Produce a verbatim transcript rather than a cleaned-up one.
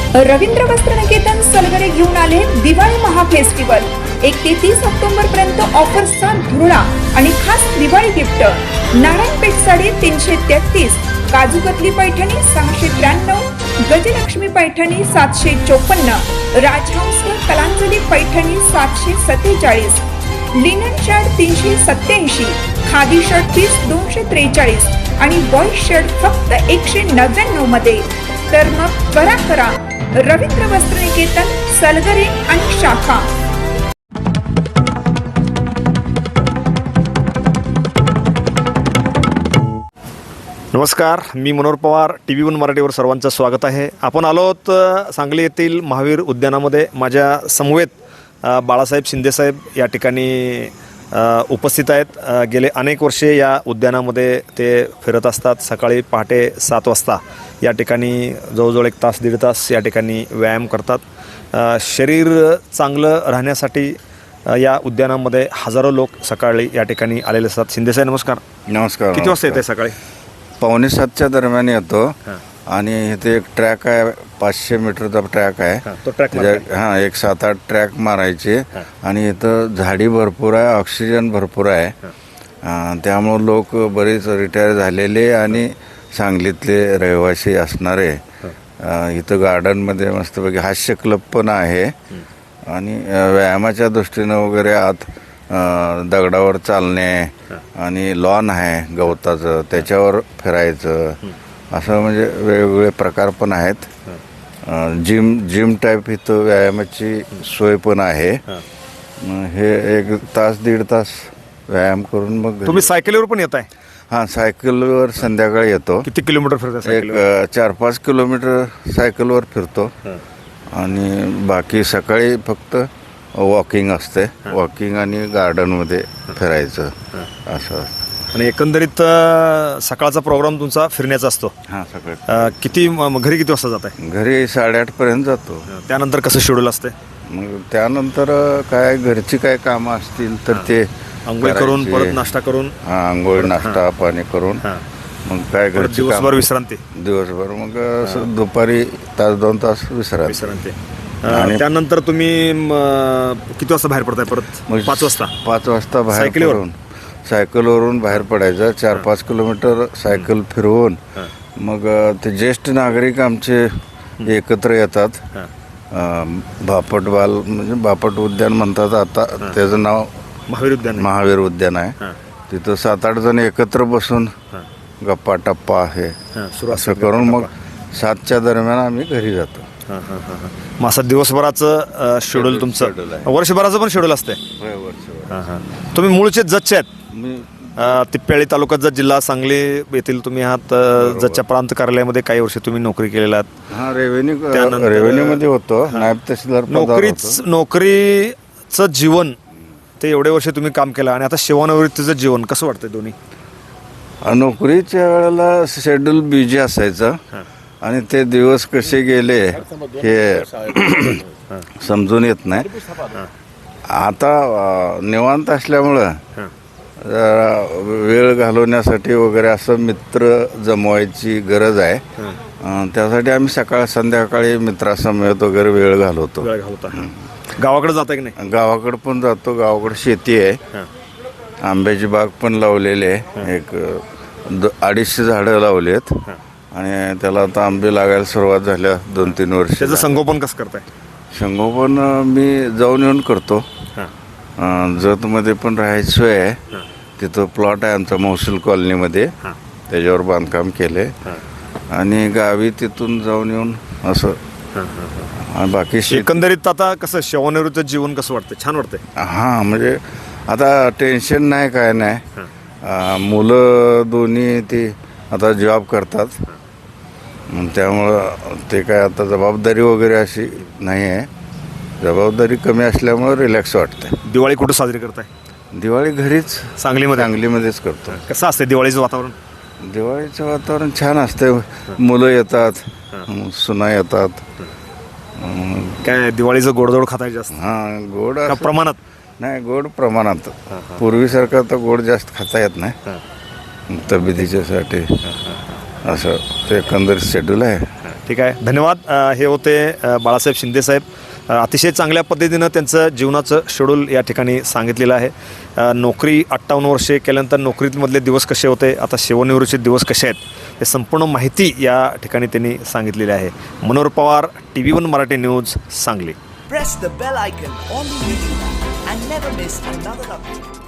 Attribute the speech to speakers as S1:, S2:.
S1: रवींद्र वस्त्रनिकेतन सलगरे घेऊन आले दिवाळी महाफेस्टिवल। एक ते तीस ऑक्टोबर पर्यंत ऑफर्सचा धुरळा आणि खास दिवाळी गिफ्ट। नारायणपेठ साडी तीनशे तेहतीस, काजू कतली पैठणी सहाशे त्र्याण्णव, गजलक्ष्मी पैठणी सातशे चोपन्न, राजहंस कलांजली पैठणी सातशे सत्तेचाळीस, लिनन शर्ट तीनशे सत्याऐंशी, खादी शर्ट पीस दोनशे त्रेचाळीस आणि बॉय शर्ट फक्त एकशे नव्याण्णव मध्ये। तर मग त्वरा करा, रवींद्र वस्त्रनिकेतन सलगरे आणि शाखा।
S2: नमस्कार, मी Manohar Pawar, T V one मराठीवर सर्वांचं स्वागत आहे। आपण आलो आहोत सांगली येथील महावीर उद्यानामध्ये। माझ्या समवेत बाळासाहेब शिंदेसाहेब या ठिकाणी उपस्थित आहेत। गेले अनेक वर्षे या उद्यानामध्ये ते फिरत असतात। सकाळी पहाटे सात वाजता या ठिकाणी जवळजवळ एक तास दीड तास या ठिकाणी व्यायाम करतात। शरीर चांगलं राहण्यासाठी या उद्यानामध्ये हजारो लोक सकाळी या ठिकाणी आलेले असतात। शिंदेसाहेब नमस्कार।
S3: नमस्कार।
S2: किती वाजता येते सकाळी?
S3: पावणे सातच्या दरम्यान येतो आणि इथे एक ट्रॅक आहे, पाचशे मीटरचा ट्रॅक आहे।
S2: तो ट्रॅक
S3: हां, एक सात आठ ट्रॅक मारायचे आणि इथं झाडी भरपूर आहे, ऑक्सिजन भरपूर आहे। त्यामुळं लोक बरेच रिटायर झालेले आणि सांगलीतले रहिवासी असणारे इथं गार्डनमध्ये मस्तपैकी हास्य क्लब पण आहे आणि व्यायामाच्या दृष्टीनं वगैरे आत दगडावर चालणे आणि लॉन आहे गवताचं, त्याच्यावर फिरायचं, असं म्हणजे वेगवेगळे प्रकार पण आहेत। जिम जिम टाईप इथं व्यायामाची सोय पण आहे। हे एक तास दीड तास व्यायाम करून मग
S2: तुम्ही सायकलीवर पण येत आहे?
S3: हां, सायकलवर संध्याकाळी येतो।
S2: किती किलोमीटर फिरता?
S3: एक चार पाच किलोमीटर सायकलवर फिरतो आणि बाकी सकाळी फक्त वॉकिंग असते। वॉकिंग आणि गार्डनमध्ये फिरायचं असं।
S2: आणि एकंदरीत सकाळचा प्रोग्राम तुमचा फिरण्याचा असतो?
S3: हां, सकाळी
S2: किती घरी किती वाजता जात आहे?
S3: घरी साडेआठ पर्यंत जातो।
S2: त्यानंतर कसं शेड्यूल असते?
S3: मग त्यानंतर काय घरची काय कामं असतील तर ते
S2: आंघोळ करून परत नाश्ता करून
S3: हां, आंघोळ नाश्ता पाणी करून मग काय घरची
S2: दिवसभर विश्रांती?
S3: दिवसभर मग दुपारी तास दोन तास विश्रांती
S2: विश्रांती आणि त्यानंतर तुम्ही किती वाजता बाहेर पडताय? परत पाच वाजता?
S3: पाच वाजता बाहेर
S2: सायकलीवर?
S3: पडून सायकलवरून बाहेर पडायचं। चार पाच किलोमीटर सायकल फिरवून मग ते ज्येष्ठ नागरिक आमचे एकत्र येतात। बापट बाल म्हणजे बापट उद्यान म्हणतात आता, त्याचं नाव
S2: महावीर उद्यान
S3: महावीर उद्यान आहे। तिथं सात आठ जण एकत्र बसून गप्पा टप्पा आहे असं करून मग सातच्या दरम्यान आम्ही घरी जातो।
S2: मग असं दिवसभराचं शेड्यूल तुमचं? वर्षभराचं पण शेड्यूल असते? तुम्ही मूळचे जतचे आहेत? तिप्याळी तालुक्यात जत, जिल्हा सांगली येथील तुम्ही आहात। जतच्या प्रांत कार्यालयामध्ये काही वर्ष तुम्ही नोकरी केलेला आहात?
S3: हां, रेव्हेन्यू रेव्हेन्यूमध्ये होतो, नायब तहसीलदार।
S2: नोकरीच नोकरीचं जीवन ते एवढे वर्ष तुम्ही काम केलं आणि आता सेवानिवृत्तीचं जीवन कसं वाटतं दोन्ही?
S3: नोकरीच्या वेळेला शेड्यूल बिझी असायचं आणि ते दिवस कसे गेले हे समजून येत नाही। आता निवांत असल्यामुळं जरा वेळ घालवण्यासाठी वगैरे असं मित्र जमवायची गरज आहे। त्यासाठी आम्ही सकाळ संध्याकाळी मित्रासमवेत वगैरे वेळ घालवतो।
S2: गावाकडे जाता की नाही?
S3: गावाकडे पण जातो। गावाकडे शेती आहे, आंब्याची बाग पण लावलेली आहे। एक अडीचशे झाडं लावली आहेत आणि त्याला आता आंबे लागायला सुरुवात झाल्या दोन तीन वर्ष।
S2: त्याचं संगोपन कसं करताय?
S3: संगोपन मी जाऊन येऊन करतो। जतमध्ये पण राहायची सोय आहे, तिथं प्लॉट आहे आमचा महसूल कॉलनीमध्ये, त्याच्यावर बांधकाम केले आणि गावी तिथून जाऊन येऊन असं। बाकी
S2: एकंदरीत आता कसं सेवानिवृत्त जीवन कसं वाटतं? छान वाटतंय?
S3: हां, म्हणजे आता टेन्शन नाही, काय नाही। मुलं दोन्ही ती आता जॉब करतात, त्यामुळं ते काय आता जबाबदारी वगैरे अशी नाही आहे। जबाबदारी कमी असल्यामुळं रिलॅक्स वाटतं।
S2: दिवाळी कुठं साजरी करताय?
S3: दिवाळी घरीच,
S2: सांगलीमध्ये?
S3: सांगलीमध्येच करतो।
S2: कसं असतं दिवाळीचं वातावरण?
S3: दिवाळीचं वातावरण छान असतं। मुलं येतात, सुना येतात।
S2: काय दिवाळीचं गोडधोड खाताय जास्त?
S3: हां, गोड
S2: प्रमाणात?
S3: नाही, गोड प्रमाणात। पूर्वीसारखं तर गोड जास्त खाता येत नाही तब्येतीच्यासाठी, असं ते एकंदरीत शेड्यूल आहे।
S2: ठीक आहे, धन्यवाद. अ, हे होते अ, बाळासाहेब शिंदेसाहेब. अ, अतिशय चांगल्या पद्धतीनं त्यांचं जीवनाचं शेड्यूल या ठिकाणी सांगितलेलं आहे. अ, नोकरी अठ्ठावन्न वर्षे केल्यानंतर नोकरीमधले दिवस कसे होते, आता सेवानिवृत्तीचे दिवस कसे आहेत, हे संपूर्ण माहिती या ठिकाणी त्यांनी सांगितलेली आहे. Manohar Pawar, T V one Marathi news, Sangli.
S4: Press the bell icon on the YouTube and never miss another update.